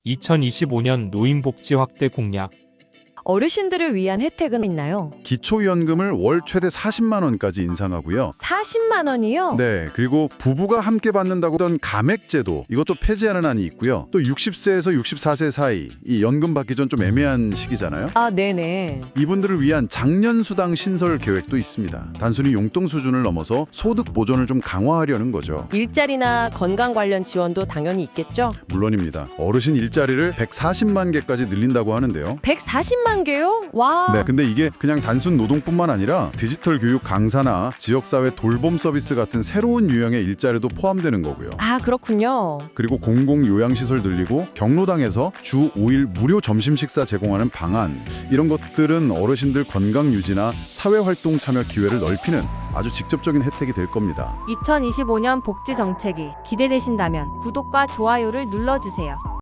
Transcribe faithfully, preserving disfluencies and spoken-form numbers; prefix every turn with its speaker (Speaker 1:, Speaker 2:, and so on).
Speaker 1: 이천이십오 년 노인복지 확대 공약.
Speaker 2: 어르신들을 위한 혜택은 있나요?
Speaker 3: 기초연금을 월 최대 사십만 원까지 인상하고요.
Speaker 2: 사십만 원이요?
Speaker 3: 네, 그리고 부부가 함께 받는다고 하던 감액제도 이것도 폐지하는 안이 있고요. 또 육십 세에서 육십사 세 사이 이 연금 받기 전 좀 애매한 시기잖아요.
Speaker 2: 아, 네네.
Speaker 3: 이분들을 위한 장년수당 신설 계획도 있습니다. 단순히 용돈 수준을 넘어서 소득 보존을 좀 강화하려는 거죠.
Speaker 2: 일자리나 건강 관련 지원도 당연히 있겠죠?
Speaker 3: 물론입니다. 어르신 일자리를 백사십만 개까지 늘린다고 하는데요.
Speaker 2: 백사십만 개요? 와.
Speaker 3: 네, 근데 이게 그냥 단순 노동뿐만 아니라 디지털 교육 강사나 지역사회 돌봄 서비스 같은 새로운 유형의 일자리도 포함되는 거고요.
Speaker 2: 아, 그렇군요.
Speaker 3: 그리고 공공 요양시설 늘리고 경로당에서 주 오 일 무료 점심 식사 제공하는 방안, 이런 것들은 어르신들 건강 유지나 사회활동 참여 기회를 넓히는 아주 직접적인 혜택이 될 겁니다.
Speaker 4: 이천이십오 년 복지 정책이 기대되신다면 구독과 좋아요를 눌러주세요.